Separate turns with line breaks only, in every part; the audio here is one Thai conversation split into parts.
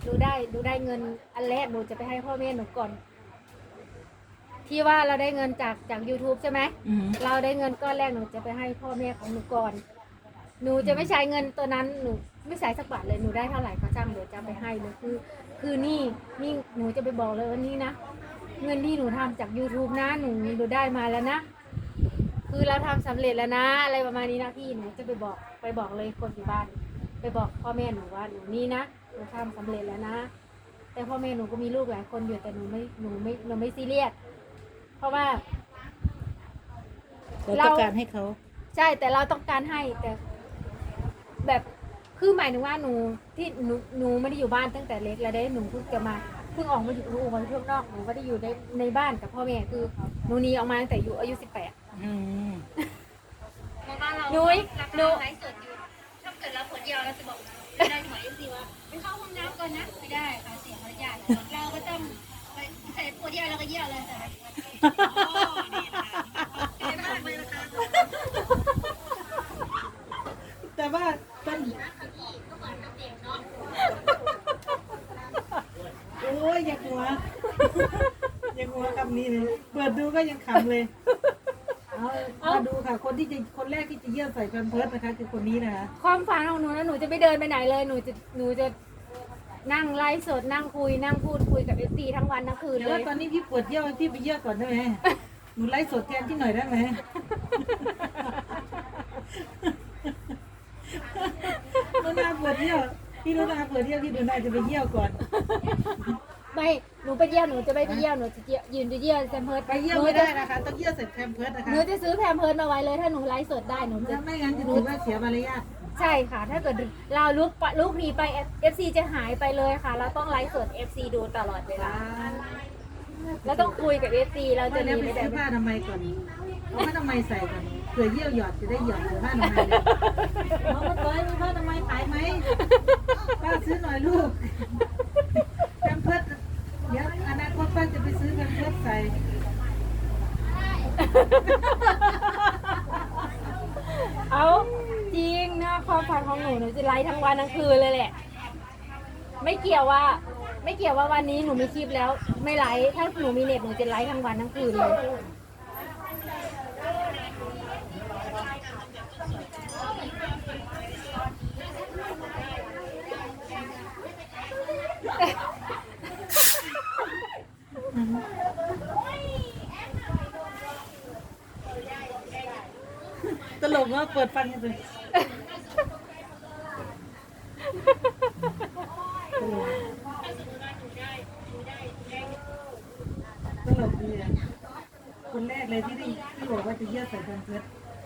ดูได้เงินอันแรกหนูจะไปให้พ่อแม่หนูก่อนที่ว่าเราได้เงินจาก YouTube ใช่ไหมเราได้เงินก้อนแรกหนูจะไปให้พ่อแม่ของหนูก่อนหนูจะไม่ใช้เงินตัวนั้นหนูไม่ใช้สักบาทเลยหนูได้เท่าไหร่ก็ช่างเดี๋ยวจะไปให้เลยคือนี่หนูจะไปบอกเลยว่านี่นะเงินที่หนูทำจาก YouTube นะหนูได้มาแล้วนะคือเราทำสำเร็จแล้วนะอะไรประมาณนี้นะพี่หนูจะไปบอกเลยคนอยู่บ้านไปบอกพ่อแม่หนูว่าหนูนี่นะหนูทำสำเร็จแล้วนะแต่พ่อแม่หนูก็มีลูกหลายคนอยู่แต่หนูไม่ซีเรียสเพราะว่า
เราต้องการให้เขา
ใช่แต่เราต้องการให้แต่แบบคือหมายถึงว่าหนูไม่ได้อยู่บ้านตั้งแต่เล็กแล้วได้หนูเพิ่งออกมาอยู่ข้างนอกหนูก็ได้อยู่ในบ้านกับพ่อแม่คือหนูหนีออกมาตั้งแต่อายุ18หนูไลฟ์สดอยู่ถ้าเกิดเราปวดเยี่ยวเราจะบอกไม่ได้หมายสิว่าไปเข้าห้องน้ำก่อนนะไม่ได้ค่ะเสียมารยาทเราก็ต้องไปใส่ปวดเยี่ยวเราก็เยี่ยวเลย
แต่ว่าต้นโอ้ยอย่าหัวคำนี้เลยเปิดดูก็ยังขำเลยเอามาดูค่ะคนแรกที่จะเยี่ยมใส่แพมเพิร์สนะคะคือคนนี้นะคะ
ความฝันของหนูนะหนูจะไม่เดินไปไหนเลยหนูจะนั่งไลฟ์สดนั่งคุยนั่งพูดคุยกับFCทั้งวันทั้งคืนเลย
แต่ว่าตอนนี้พี่ปวดเยี่ยวพี่ไปเยี่ยวก่อนได้ไหมหนูไลฟ์สดแทนที่หน่อยได้ไหมหนูนาปวดเยี่ยวพี่หนูนาปวดเยี่ยวพี่หนูนาจะไปเยี่ยวก่อน
ไม่หนูไปเยี่ยวหนูจะไม่ไปเยี่ยวหนูจะยืนเยี่ยวแพมเพิร์ส
ไปเยี่ยวไม่ได้นะคะต้องเยี่ยวเสร็จแพมเพิร์สนะคะ
หนูจะซื้อแพมเพิร์สมาไว้เลยถ้าหนูไลฟ์สดได้หนูจะ
ไม่งั้นจะถือว่าเสียมารยาท
ใช่ค่ะถ้าเกิดเราลุกหนีไป FC จะหายไปเลยค่ะเราต้องไลฟ์สด FC ดูตลอดเวลาแล้วต้องคุยกับ FC เราจะหนีไม่ได้
ผ้าทำไมก่อนเอาผ้าทำไมใส่ก่อนเผื่อเยี่ยวหยอดจะได้หยอดผ้าทำไมเลยน้องมาต้อยมีผ้าทำไมขายไหมป้าซื้อหน่อยลูกแพมเพิร์สเดี๋ยวอนาคตป้าจะไปซื้อแพมเพิร์สใส่
เอาจริงนะความฝันของหนูจะไลฟ์ทั้งวันทั้งคืนเลยแหละไม่เกี่ยวว่าวันนี้หนูมีคลิปแล้วไม่ไลฟ์ถ้าหนูมีเน็ตหนูจะไลฟ์ทั้งวันทั้งคืนเลย
ตลกว่าเปิดฟังกันเลยตลกดีอ่ะคนแรกเลยที่บอกว่าจะเยี่ยมใส่แพมเพิร์ส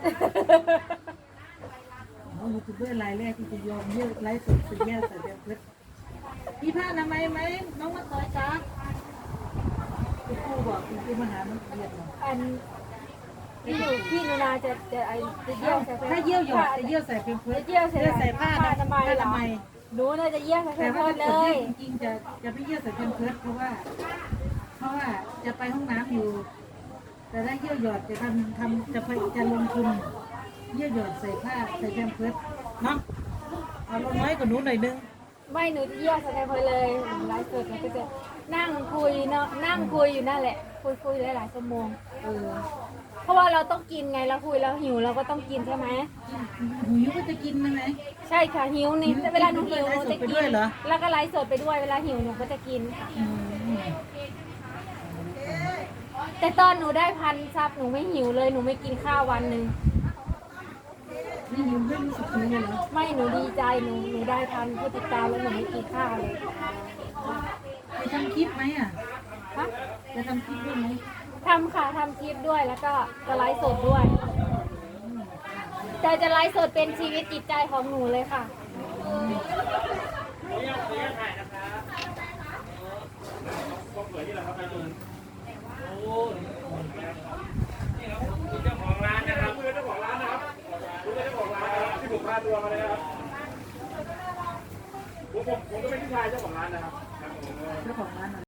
ยูทูบเบอร์รายแรกที่จะยอมเยี่ยมไลฟ์สดจะเยี่ยมใส่แพมเพิร์สมีผ้าอนามัยไหมน้องมาต่อยจ้าคุณครูบอกคุณครูมาหามันเรียนหรอ
อันพี่หนูนาจะเยี่ยวใส่
ถ้าเยี่ยวหยอดจะเยี่ยวใส่แพมเพิร์ส
เยี่ยวใส่ผ้าอนามัยหนูน่าจะเยี่ยวใส่แพมเพิร์สเลย
จริงๆจะไม่เยี่ยวใส่แพมเพิร์สเพราะว่าจะไปห้องน้ำอยู่แต่ถ้าเยี่ยวหยอดจะลงทุนเยี่ยวหยอดใส่ผ้าใส่แพมเพิร์สเนาะเอาลงน้อยกว่าหนูหน่อยนึง
ไม่หนูจะเยี่ยวใส่แพมเพิร์สเลยไลฟ์สดก็จะนั่งคุยเนาะนั่งคุยอยู่นั่นแหละคุยหลายชั่วโมงเพราะว่าเราต้องกินไงเราคุยเราหิวเราก็ต้องกินใช่ไหม
หิวก็จะกินไหม
ใช่ค่ะหิวนี่เวลาหนูหิวหนูจะกินแล้วก็ไลฟ์สดไปด้วยเวลาหิวหนูก็จะกินค่ะแต่ตอนหนูได้1,000 ซับหนูไม่หิวเลยหนูไม่กินข้าววันหนึ่ง
ไม่หิวไม่รู้สึกหิวเลยเหรอ
ไม่หนูดีใจหนูได้1,000 ผู้ติดตามแล้วหนูไม่กินข้าวเลย
จะทำคลิปไหมอ่ะจะทำคลิปด้วยไหม
ทำค่ะทำคลิปด้วยแล้วก็จะไลฟ์สดด้วยแต่จะไลฟ์สดเป็นชีวิตจิตใจของหนูเลยค่ะ